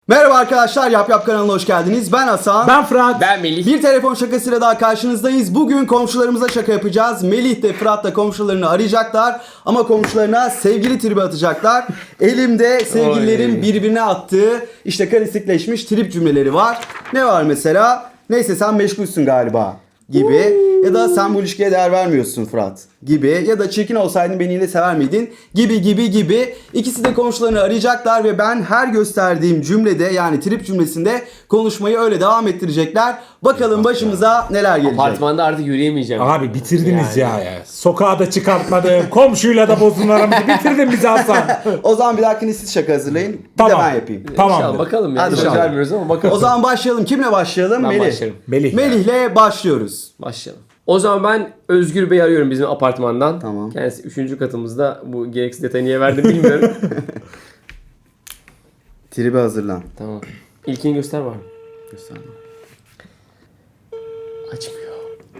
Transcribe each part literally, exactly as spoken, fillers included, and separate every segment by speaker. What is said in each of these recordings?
Speaker 1: Merhaba arkadaşlar, Yap Yap kanalına hoş geldiniz. Ben Hasan.
Speaker 2: Ben Fırat.
Speaker 3: Ben Melih.
Speaker 1: Bir telefon şakasıyla daha karşınızdayız. Bugün komşularımıza şaka yapacağız. Melih de Fırat da komşularını arayacaklar. Ama komşularına sevgili tribi atacaklar. Elimde sevgililerin
Speaker 3: Oy.
Speaker 1: birbirine attığı işte klasikleşmiş trip cümleleri var. Ne var mesela? Neyse sen meşgulsün galiba gibi. Ya da sen bu ilişkiye değer vermiyorsun Fırat gibi. Ya da çirkin olsaydın beni yine sever miydin gibi gibi gibi. İkisi de komşularını arayacaklar ve ben her gösterdiğim cümlede, yani trip cümlesinde konuşmayı öyle devam ettirecekler. Bakalım başımıza neler gelecek.
Speaker 3: Apartmanda artık yürüyemeyeceğim.
Speaker 2: Abi bitirdiniz
Speaker 3: Yani.
Speaker 2: ya ya. Sokağa da çıkartmadım. Komşuyla da bozdun aramızı. Bitirdin bizi Hasan.
Speaker 1: O zaman bir dahakine siz şaka hazırlayın. Bir
Speaker 2: Tamam.
Speaker 1: de ben yapayım.
Speaker 2: Tamam.
Speaker 3: İnşallah bakalım ya.
Speaker 1: Hadi
Speaker 3: Söz
Speaker 1: bakalım.
Speaker 3: vermiyoruz ama bakalım.
Speaker 1: O zaman başlayalım. Kimle başlayalım?
Speaker 3: ben
Speaker 1: Melih.
Speaker 3: başlarım.
Speaker 2: Melih. ya.
Speaker 1: Melih'le başlıyoruz.
Speaker 3: Başlayalım. O zaman ben Özgür Bey'i arıyorum bizim apartmandan.
Speaker 1: Tamam.
Speaker 3: Kendisi üçüncü katımızda. Bu gereksiz detayı niye verdim bilmiyorum.
Speaker 1: Tribe hazırlan.
Speaker 3: Tamam. İlkini göster var mı?
Speaker 1: Göster.
Speaker 3: Açmıyor.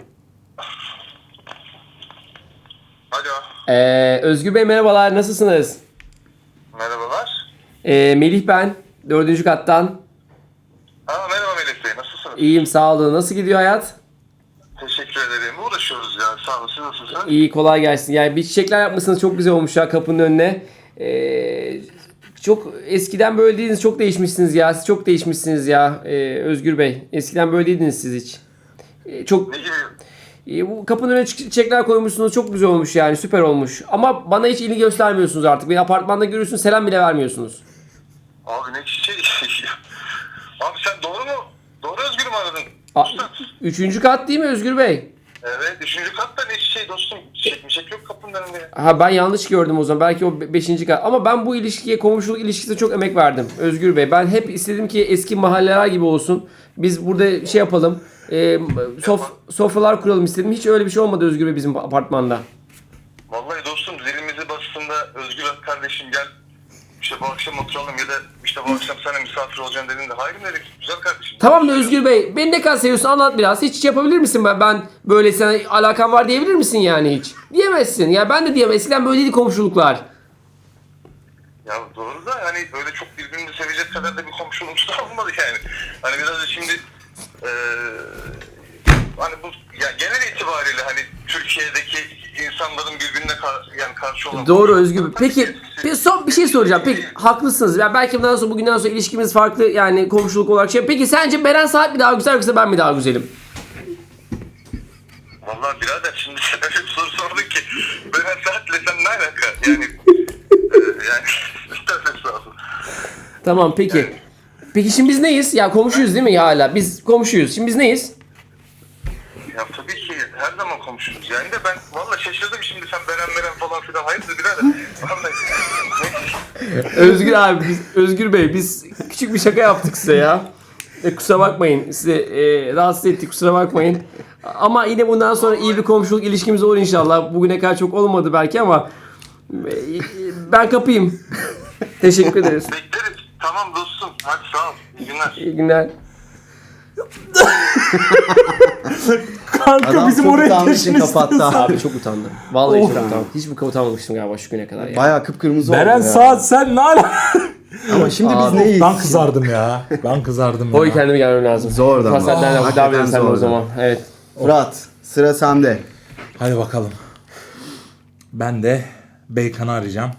Speaker 4: Alo,
Speaker 3: Ee, Özgür Bey merhabalar. Nasılsınız?
Speaker 4: merhabalar.
Speaker 3: Ee, Melih ben. Dördüncü kattan.
Speaker 4: Ha, merhaba Melih Bey, nasılsınız?
Speaker 3: İyiyim sağ olun. Nasıl gidiyor hayat?
Speaker 4: Teşekkür ederim. Uğraşıyoruz ya, sağ olun. Siz nasılsınız?
Speaker 3: İyi, kolay gelsin. Yani bir çiçekler yapmışsınız, çok güzel olmuş ya kapının önüne. Ee, çok eskiden böyle değildiniz, çok değişmişsiniz ya. Siz çok değişmişsiniz ya ee, Özgür Bey. Eskiden böyle değildiniz siz hiç. Ee, çok
Speaker 4: Ne gibi?
Speaker 3: ee, bu kapının önüne çi- çiçekler koymuşsunuz, çok güzel olmuş yani, süper olmuş. Ama bana hiç ilgi göstermiyorsunuz artık. Beni apartmanda görüyorsunuz, selam bile vermiyorsunuz.
Speaker 4: Abi ne çiçeği? Abi sen doğru mu? Doğru Özgür mü aradın?
Speaker 3: A-
Speaker 4: Usta.
Speaker 3: Üçüncü kat değil mi Özgür Bey?
Speaker 4: Evet, üçüncü katta ne çiçeği dostum? Çiçek mi çiçek yok kapının önünde.
Speaker 3: Ha, ben yanlış gördüm o zaman. Belki o be- beşinci kat. Ama ben bu ilişkiye, komşuluk ilişkisine çok emek verdim Özgür Bey. Ben hep istedim ki eski mahalleler gibi olsun. Biz burada şey yapalım. E, sof, sofralar kuralım istedim. Hiç öyle bir şey olmadı Özgür Bey bizim apartmanda.
Speaker 4: Vallahi dostum zilimizi bastığında Özgür kardeşim gel. İşte bu akşam oturalım ya da işte bu akşam sana misafir olacaksın dediğinde hayır mı dedik? Güzel kardeşim.
Speaker 3: Tamam da Özgür Bey, beni ne kadar seviyorsun anlat biraz. Hiç yapabilir misin ben? Ben böyle sana alakam var diyebilir misin yani hiç? Diyemezsin. Ya ben de diyemem. Eskiden böyleydi komşuluklar.
Speaker 4: Ya doğru da hani böyle çok birbirini sevecek kadar da bir komşuluğumuz da olmadı yani. Hani biraz da şimdi eee hani bu ya genel itibariyle hani Türkiye'deki insanların birbirine kar, yani karşı olan...
Speaker 3: Doğru Özgür Bey. Peki bir son bir şey soracağım. Peki haklısınız. Ya belki bundan sonra bugünden sonra ilişkimiz farklı yani komşuluk olarak şey. Peki sence Beren Saat mi daha güzel yoksa ben mi daha güzelim?
Speaker 4: Vallahi birader şimdi sen öyle bir soru sordun ki ben saatle sen ne alaka? Yani eee yani estağfurullah.
Speaker 3: Tamam peki. Peki şimdi biz neyiz? Ya komşuyuz değil mi ya hala? Biz komşuyuz. Şimdi biz neyiz?
Speaker 4: Ya tabii ki her zaman komşuyuz yani de ben vallahi şaşırdım şimdi sen Beren Beren falan filan hayırdır birader. Vallahi.
Speaker 3: Özgür abi, biz, Özgür Bey biz küçük bir şaka yaptık size ya. E, kusura bakmayın. Size e, rahatsız ettik, kusura bakmayın. Ama yine bundan sonra iyi bir komşuluk ilişkimiz olur inşallah. Bugüne kadar çok olmadı belki ama e, ben kapayım. Teşekkür ederiz.
Speaker 4: Bekleriz. Tamam dostum. Hadi sağ ol. İyi günler.
Speaker 3: İyi günler.
Speaker 2: Kanka
Speaker 1: Adam
Speaker 2: bizim
Speaker 1: çok
Speaker 2: oraya
Speaker 1: utandığı için
Speaker 2: geçmişsiniz.
Speaker 1: kapattı.
Speaker 3: Abi çok utandım. Vallahi
Speaker 2: Of.
Speaker 3: çok utandım. Hiç bu kadar utanmamıştım galiba şu güne kadar ya.
Speaker 1: Bayağı kıpkırmızı oldu
Speaker 2: Beren
Speaker 1: ya.
Speaker 2: Saat sen ne ala?
Speaker 1: Ama şimdi biz
Speaker 3: Abi,
Speaker 1: neyiz?
Speaker 2: Ben kızardım ya. Ben kızardım
Speaker 3: Oy
Speaker 2: ya.
Speaker 3: kendime gelmem lazım.
Speaker 1: Zor da ama.
Speaker 3: Fasetlerden
Speaker 1: Oh,
Speaker 3: oh, devam edelim
Speaker 1: hakikaten
Speaker 3: sen de o
Speaker 1: zordu.
Speaker 3: zaman. Evet.
Speaker 1: Fırat, sıra sende.
Speaker 2: Hadi bakalım. Ben de Beykan'ı arayacağım.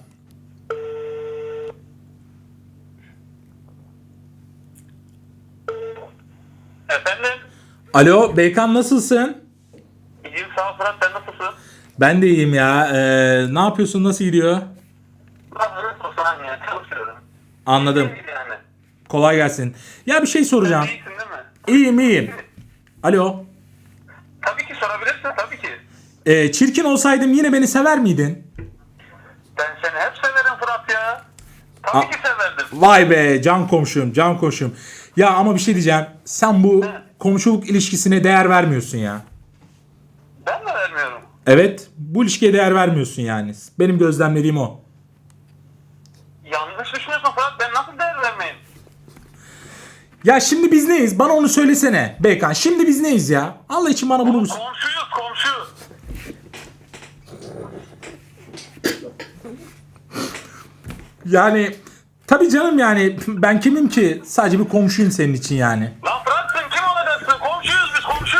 Speaker 4: Efendim?
Speaker 2: Alo Beykan nasılsın?
Speaker 4: İyiyim sağ ol Fırat. Sen nasılsın?
Speaker 2: Ben de iyiyim ya. Ee, ne yapıyorsun? Nasıl gidiyor?
Speaker 4: Ben öyle saniye çalışıyorum.
Speaker 2: Anladım.
Speaker 4: Yani.
Speaker 2: Kolay gelsin. Ya bir şey soracağım.
Speaker 4: İyisin değil mi?
Speaker 2: İyiyim iyiyim. Alo.
Speaker 4: Tabii ki sorabilirsin tabii ki.
Speaker 2: Ee, çirkin olsaydım yine beni sever miydin?
Speaker 4: Ben seni hep severim Fırat ya. Tabii
Speaker 2: A-
Speaker 4: ki severdim.
Speaker 2: Vay be can komşum can komşum. Ya ama bir şey diyeceğim. Sen bu komşuluk ilişkisine değer vermiyorsun ya.
Speaker 4: Ben de vermiyorum.
Speaker 2: Evet bu ilişkiye değer vermiyorsun yani. Benim gözlemlediğim o.
Speaker 4: Yanlış düşünüyorsun Fırat. Ben nasıl değer vermeyeyim?
Speaker 2: Ya şimdi biz neyiz? Bana onu söylesene Beykan. Şimdi biz neyiz ya? Allah için bana bunu...
Speaker 4: Komşuyuz komşu.
Speaker 2: Yani Tabii canım yani ben kimim ki? Sadece bir komşuyum senin için yani.
Speaker 4: Lan Fırat sen kim olacaksın? Komşuyuz biz komşu.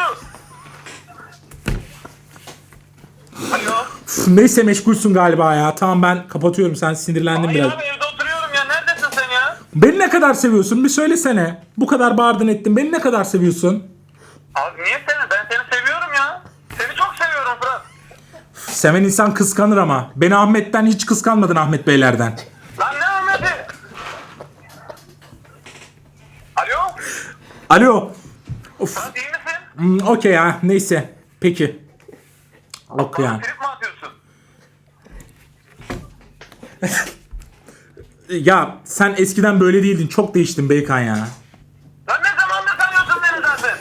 Speaker 4: Alo.
Speaker 2: Üf, neyse meşgulsün galiba ya. Tamam ben kapatıyorum, sen sinirlendin
Speaker 4: Hayır
Speaker 2: biraz.
Speaker 4: abi evde oturuyorum ya. Neredesin sen ya?
Speaker 2: Beni ne kadar seviyorsun? Bir söylesene. Bu kadar bağırdın ettin. Beni ne kadar seviyorsun?
Speaker 4: Abi niye seni? Ben seni seviyorum ya. Seni çok seviyorum Fırat.
Speaker 2: Üf, seven insan kıskanır ama. Beni Ahmet'ten hiç kıskanmadın, Ahmet Beylerden.
Speaker 4: Lan ne Ahmet'i? Alo?
Speaker 2: Alo. Of.
Speaker 4: Fırat iyi misin?
Speaker 2: Hmm, Okey ya. Neyse. Peki. Okey
Speaker 4: Bana
Speaker 2: yani.
Speaker 4: trip mi atıyorsun?
Speaker 2: Ya sen eskiden böyle değildin. Çok değiştin Beykan ya.
Speaker 4: Lan ne zamandır tanıyorsun beni zaten?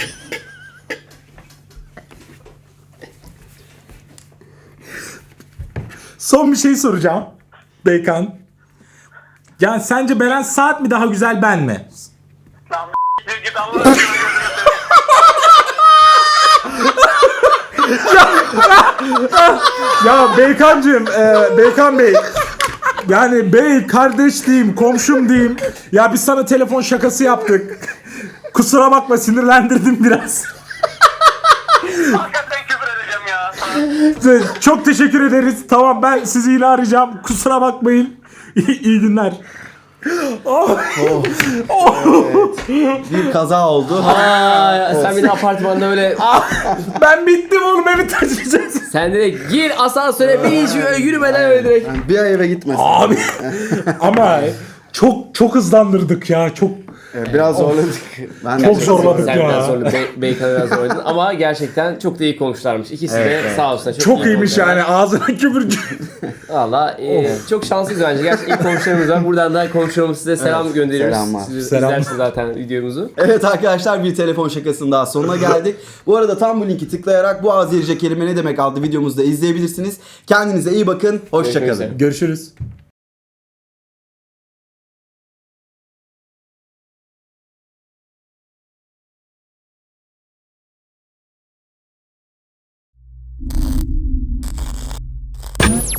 Speaker 2: Son bir şey soracağım. Beykan. Yani sence Beren Saat mi daha güzel, ben mi?
Speaker 4: Lan bir git Allah aşkına gözünü seveyim.
Speaker 2: Ya Beykancığım, e, Beykan Bey. Yani bey, kardeş diyeyim, komşum diyeyim. Ya biz sana telefon şakası yaptık. Kusura bakma, sinirlendirdim biraz.
Speaker 4: Hakikaten küfür edeceğim ya.
Speaker 2: Çok teşekkür ederiz. Tamam, ben sizi yine arayacağım. Kusura bakmayın. İyi günler.
Speaker 1: Bir kaza oldu.
Speaker 3: Aa, sen bir de apartmanda öyle
Speaker 2: Ben bittim oğlum, evi taşıyacağız.
Speaker 3: sen direkt gir asansöre bir hiç yürümeden öyle direkt.
Speaker 1: Yani bir ay eve gitmesin.
Speaker 2: Abi ama çok çok hızlandırdık ya. Çok
Speaker 1: Evet, biraz zorladık. Ben de
Speaker 2: Çok zorladık
Speaker 3: Sen
Speaker 2: ya.
Speaker 3: biraz sonra Be- Beykan'ı biraz oynadın ama gerçekten çok da iyi konuşlarmış. İkisi de
Speaker 1: evet.
Speaker 3: sağ olsun. Çok,
Speaker 2: çok
Speaker 3: iyi
Speaker 2: iyiymiş
Speaker 3: konuşuyorlar.
Speaker 2: yani, ağzına küfür.
Speaker 3: Valla e, çok şanslıyız bence. Gerçekten iyi komşularımız var. Buradan da komşularımız size selam
Speaker 1: Evet,
Speaker 3: gönderiyoruz.
Speaker 1: selamlar.
Speaker 3: Siz
Speaker 2: Selam.
Speaker 3: izlersiniz zaten videomuzu.
Speaker 1: Evet arkadaşlar, bir telefon şakasının daha sonuna geldik. Bu arada tam bu linki tıklayarak bu Azerice kelime ne demek adlı videomuzu da izleyebilirsiniz. Kendinize iyi bakın.
Speaker 3: Görüşmek
Speaker 1: Hoşçakalın.
Speaker 3: üzere.
Speaker 2: Görüşürüz.